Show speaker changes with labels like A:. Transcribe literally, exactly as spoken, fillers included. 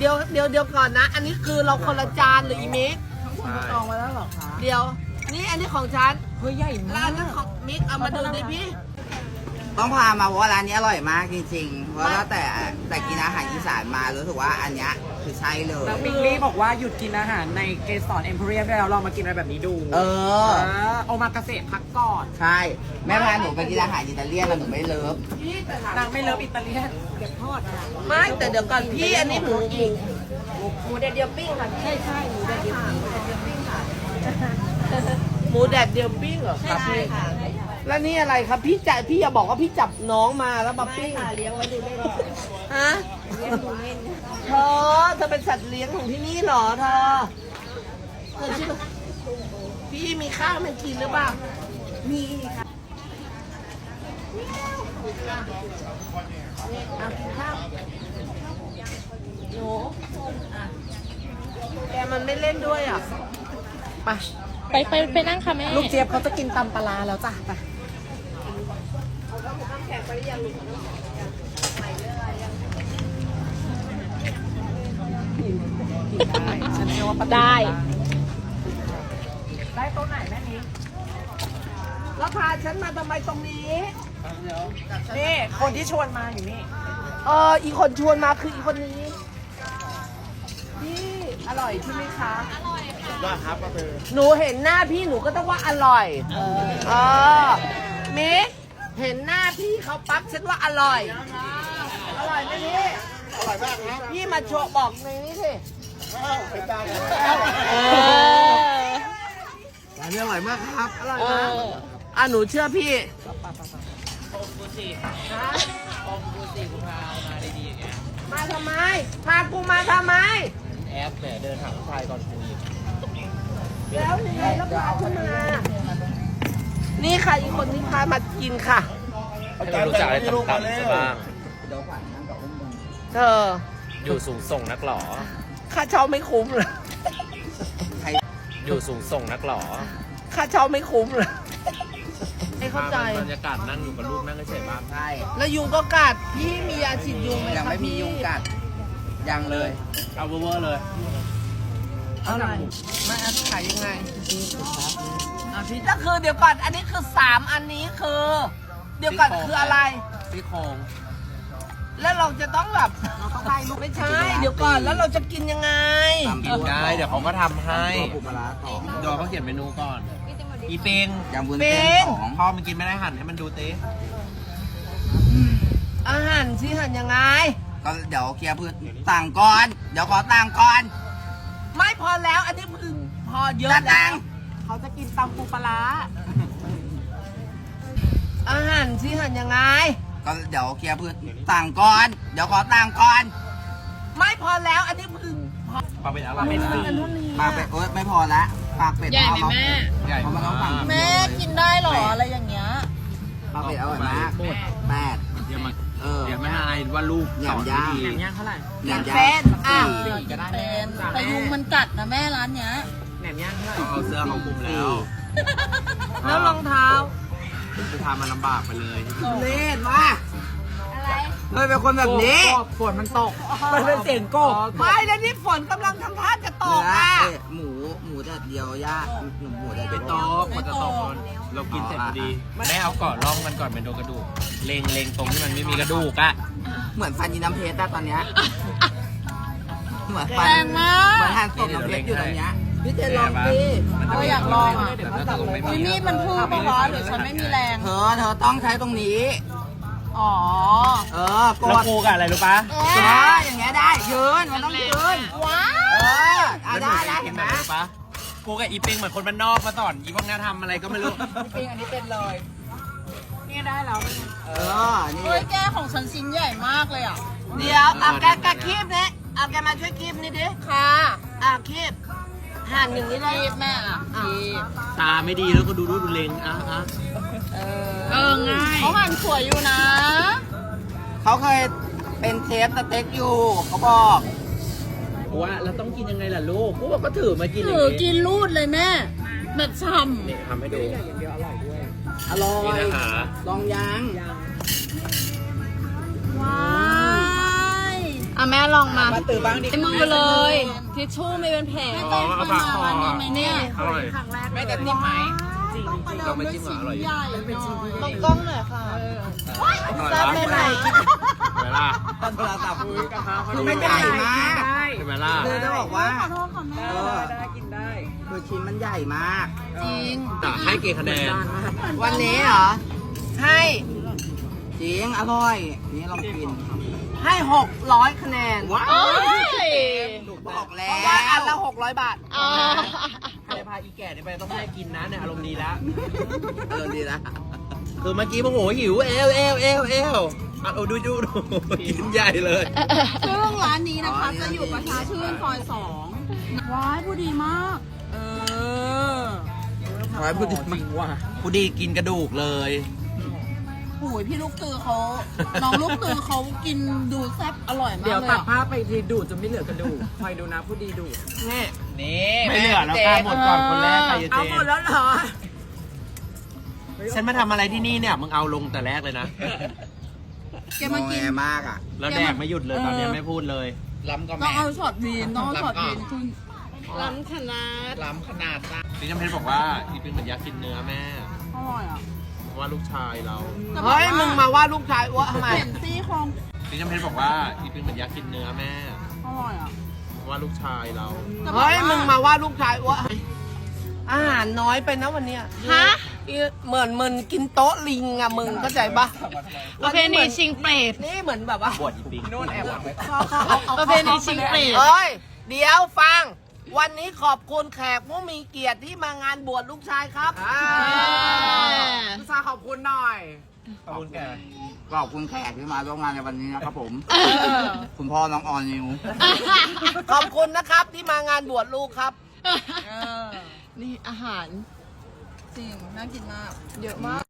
A: เดี๋ยวเดี๋ยวเดี๋ยวก่อนนะ อันนี้คือเราคนละจานหรืออีมิก
B: จองไว้แล้วเหรอคะ
A: เดี๋ยวนี่อันนี้ของฉัน
B: เฮ้ยใหญ่
A: แล้ว
B: มา
A: อั
B: ก
A: นนั้นของมิกเอามาดูดิพี่
C: ต้องพามาเพราะว่าร้านนี้อร่อยมากจริงๆ เพราะว่าแต่แต่กินอาหารอีสานมารู้สึกว่าอันเนี้ยคือใช่เลย
B: แล้วมิงลี่บอกว่าหยุดกินอาหารในเกสรเอ็มพ r รียมได้แล้วลองมากินอะไรแบบนี้ดู
C: เออ
B: เออโอมากาเสะพักก่อน
C: ใช่แม่พาหนูไปกินอาหารอิตาเลียนแล้วหนูไม่เลิฟ
B: นางไม่เลิฟอิตาเลียนเก็บทอดอะ
A: ไม่แต่เดี๋ยวก่อนพี่อันนี้หมูหมู
D: หมูแดดเดียวปิ้งค่ะใช่ใช่หมูแดดเดียวปิ้งแดดเดียวปิ้งค่ะ
A: หมูแดดเดียวปิ้งเหรอครับ
D: ใช่
A: พี่
D: ค่ะ
A: แล้วนี่อะไรครับพี่จะพี่อย่าบอกว่าพี่จับน้องมาแล้วมา
D: ไม่
A: ปิ้ง
D: ค่ะเลี้ยงไว้ดูเล่นค่ะ
A: ฮะ
D: เลี้ยงดูเล่น
A: เธอเธอเป็นสัตว์เลี้ยงของที่นี่เหรอเธอเธอชื่อพี่มีข้าวมันกินหรือเปล่า
D: มีค่ะ
A: เอากินข้าวหนูอ่ะแกมันไม่เล่นด้วยอ่ะไป
E: ไปไปไปนั่งค่ะแม่
B: ลูกเจี๊ยบเขาจะกินตำปลาร้าแล้วจ้ะไปได้ฉันเชื่อว่าป้าติ๋ว
E: ได้
B: ได้โต๊ะไหนแม่นี้
A: แล้วพาฉันมาทำไมตรงนี้
B: นี่คนที่ชวนมาอยู่นี่
A: เอออีคนชวนมาคืออีคนนี้พี่อร่อยใช่ไหมคะอร่อยค่ะครับหนูเห็นหน้าพี่หนูก็ต้องว่าอร่อยเออเออมิกเห็นหน้าพี่เขาปั๊บฉันว่าอร่อย อร่อยไหมพี่อร่อยมากครับพี่มาโชว์บอกในนี้สิเออ
C: ร้านนี้อร่อยมากครับ
A: อร่อยนะอ่ะหนูเชื่อพี่
B: องกูสิ
A: ฮะ
B: องกูสิคุณพามาดีๆอย่างเงี้ย
A: มาทำไมพากูมาทำไม
B: แอปเนี่ยเดินหาผู้ชายก่อนคุย
A: แล้วยังไงแล้วพาฉันมานี่ค่ะอีกคนที่พามากินค่ะ
F: ให้เรารู้จักอะไรต่ำๆซะบ้าง
A: เธอ
F: อยู่สูงส่งนักหรอ
A: ค่าเช่าไม่คุ้มเลย
F: อยู่สูงส่งนักหรอ
A: ค่าเช่าไม่คุ้มเลยไม่เข้าใจ
F: บรรยากาศนั่งอยู่กับลูกนั่งเฉยๆบ้าง
C: ใช่
A: แล้วยุงก็กัดพี่มียาฉีดยุงไหม
C: ยัง
A: ครับ
C: ไม่มี
A: พี่
C: ยุงกัด ยังเลย
F: เอาเวอร์ๆเลย
A: อะไรไม่อันขายยังไงอ่ะพี่ก็คือเดี๋ยวก่อนอันนี้คือสามอันนี้คือ เดี๋ยวก่อนคืออะไร
C: ซี่โครง
A: แล้วเราจะต้องแบบไม่ใช่ เดี๋ยวก่อนแล้วเราจะกินยังไง
F: กินได้ เดี๋ยวเขาก็ทำให้
C: ตัวปูปลาร้าสอง
F: เดี๋ยวเขาเขียนเมนูก่อน อีเปง
C: ยำวุ้น
A: เป็
C: เส้น
A: น
C: สอง
F: พ่อมันกินไม่ได้หั่นให้มันดูเต้
A: อาหารที่หันยังไง
C: ก็เดี๋ยวเคลียร์พื้นต่างก่อน เดี๋ยวขอต่างก่อน
A: ไม่พอแล้วอันนี้คือพอเยอะ
C: จะ
A: แล้
C: ต่าง
A: ว
B: เขาจะกินตำปูปลาร้า
A: อาหารที่หันยังไง
C: ก็เดี๋ยวเคลียร์พื้นต่างก่อน เดี๋ยวขอต่างก่อน
A: ไม่พอแล้วอันนี้คือพอ
F: ปลาเป็นอะไร
A: เป็นสี่อันเท่านี้
C: ปากเป็ดโอ๊ยไม่พอละปากเป็ด
E: ใหญ่ไหม
C: เอา
E: แม่
F: ใหญ่
C: เพราะมันต้อง
F: มา
C: สั่ง
F: ก
E: แม่กินได้เหรออะไรอย่างเงี้ย
C: ปากเป็ดอร่อยมากแปด
F: เดี๋ยวมา
C: เออ
F: เดี๋ยวไม่ให้อายว่าลูกสอนไม่ดี
B: แหนมย่างเท่าไหร่
C: แหนมย่าง
A: เป็นอ่ะ
B: สี่ก็ได้
E: เป็นแต่ยุงมันกัดนะแม่ร้านเนี้ย
B: แหนมย่างเท่าไหร่
F: ต้องเอาเสื้อเขาคลุมแล้ว
A: แล้วรองเท้า
F: จะทำมันลำบากไปเลย
C: เล่นมาเฮ้ยเป็นคนแบบนี้
B: ฝนมันตก มันเป็นเสียงโกบ
A: ไม่แล้วนี่ฝนกำลังทำท่าจะต
C: เนื้
A: ก
C: อ
A: อ่ะ
C: เอ้ยหมูหมูแดดเดียวย่าหนูหมูแดด
F: ไป
C: เดียว
F: โต๊ะกว่าจะตกคนเรากินเสร็จพอดีแม่เอาเกาะร่องมันก่อนเป็นโดนกระดูก เลงเลงตรงที่มันไม่มีกระดูกอะ
C: เหมือนฟันยีน้ำเพชรอะตอนเนี้ยเหมือนฟัน
E: แรงมาก
C: เหมือนหันศพน้ำเพชรอยู่ตรงเนี้ย
A: พี่เจลองดิ
E: เราอยากลองอ่ะ
F: แต่ถ้าตรงไม่
E: อุ้
F: มี
E: ยมีดมันพุ่งปะวะหรือฉันไม่มีแรง
C: เธอเธอต้องใช้ตรงนี้
E: อ๋อ
C: เออก
F: แล้ว
C: ด
F: กูกับอะไรรู้ปะ
C: เอออย่างเงี้ยได้ยืนมันต้องยืน
E: ว้า
C: เออเอาได้ได้
F: เห็
C: เห็
F: น
C: น
F: ไห
C: ไห
F: ม
C: ม
F: รู้ปะกูกับอีปิงเหมือนคนบ้านนอกมาสอนอีพวกนี้ทำอะไรก็ไม่รู้
B: จริงอันนี้เป็นเลย นี่ได้แล้ว
C: เออนี่
E: เฮ้ยแก้ของฉันชิ้นใหญ่มากเลยอ่ะ
A: เดี๋ยวเอาแกแกคีบนี่เอาแกมาช่วยคีบนี่ดิ
E: ค่ะ
A: อ่ะคีบหั่นอย่างนี้เลย
E: รีบแม่อ่ะรีบ
F: ตาไม่ดีแล้วก็ดูดูดูเลงอ่ะอ่ะ
E: เออเออง่ายเขาหั่นสวยอยู่นะ
C: เขาเคยเป็นเชฟสเต็กอยู่เขาบอก
F: กูว่าเราต้องกินยังไงล่ะลูกกูบอกก็ถือมากินอย่าง
E: ถือ
F: นี้
E: กินรูดเลยแม่แบบช่
F: นี่ทำให้ดู
B: อย่างเดียวอร่อยด้วย
C: อร่อ
F: นี่
C: ย
F: นะคะ
C: ลองยัง
E: ำว้าย
A: อ
E: อ่ะแม่ลองมา
B: มาตื่นบ้างดิ
E: ไอ้มือเลยทิชชู่ไม่เป็นแผล
F: อ๋อเอาปากคอ
E: เนี่ย
F: อร่อย
B: แม่จะจิ้มไหม
F: เราไม่จิ้มหรออร่อยอยู่
E: ลองกล้องหน่อยค่ะ
F: อร่อย
E: แม่ไหน
F: เห็นไหมล่ะ
C: ตอนโทรศัพท์
B: คื
C: คือมันใหญ่มาก
F: เห็นไหมล่ะ
C: คือจะบอกว่า
E: ขอโทษค่ะแม่
B: ได้ได้กินได้
C: คือชิ้นมันใหญ่มาก
E: จริง
F: อ่ะให้กี่คะแนน
A: วันนี้เหรอ ให้
C: จริงอร่อย นี่ลองกิน
A: ให้หกร้อยคะแนน
C: ว้า
E: โอ้ย
C: บอกแล้
A: เพราะว่าอันละหกร้อยบาท
E: อ๋อ
F: ใครพาอีแก่เนี่ยไปต้องให้กินนะเนี่ยอารมณ์ดีแล้ว
C: เออดีละ
F: คือเมื่อกี้โมโหหิวเอวเอวเอวเอวอ่ะเอาดูดูดูกินใหญ่เลย
E: ซึ่งร้านนี้นะคะจะอยู่ประชาชื่นซอยสองว้ายผู้ดีมาก เออ
C: ขอให้พูดดี
B: จ
C: มา
B: ริ
C: ก
B: งว่ะ
F: ผู้ดีกินกระดูกเลย
E: โอ้ยพี่ลูกตือเขาน้องลูกตือเขากินดูแซ่บอร่อยมาก
B: เดี๋ยว
E: เลย
B: ตัด
E: อะ
B: ภาพไปทีดูดจนไม่เหลือกระดูกคอยดูนะผู้ดีดูด
F: นี่
C: นี่
F: ไม่เหลือแล้วค่ะหมดก่อนคนแรกใครจะเจ
B: เอาหมดแล้วเหรอ
F: ฉันมาทำอะไรที่นี่เนี่ยมึงเอาลงแต่แรกเลยนะ
E: แกมากิน
C: งอแงมากอ่ะ
F: แล้วแดกไม่หยุดเลยตอนนี้ไม่พูดเลย
C: ล้ำก็
E: ต้อ
C: แม่
E: งเอาช็อตวีนต้องเอาช็อตวีนขึ้นล้ำขนาด
C: ล้ำขนาดจ้ะ
F: พี่น้ำเพชรบอกว่าอีเป็นเหมือนยักษ์กินเนื้อแม่
E: อร่อยอ่ะ
F: เพราะว่าลูกชายเรา
A: เฮ้ย มึงมาว่าลูกชายอ้วทำไม
E: เห็นซี่โครง
F: พี่น้ำเพชรบอกว่าอีเป็นเหมือนยักษ์กินเนื้อแม่
E: อร่อยอ่ะ
F: เพราะว่าลูกชายเรา
A: เฮ้ย มึงมาว่าลูกชายอ้วทำไมอาหารน้อยไปนะวันเนี้ย
E: ฮะ
A: เหมือนมึงกินโต๊ะลิงอะมึงเข้าใจปะ
E: ประเพณีชิงเปรต
A: นี่เหมือนแบบว่า
F: บวชอีปิง
B: โน่นแอบหวังไว้
E: ประเพณีชิงเปรต
A: เอ้ย เดี๋ยวฟัง วันนี้ขอบคุณแขกผู้มีเกียรติที่มางานบวชลูกชายครับ
B: พี่ชาขอบคุณหน่อย
F: ขอบคุณแก
C: ขอบคุณแขกที่มาร่วมงานในวันนี้นะครับผม คุณพ่อน้องออนนิว
A: ขอบคุณนะครับที่มางานบวชลูกครับ
E: นี่อาหาร จริง น่ากินมาก เยอะมาก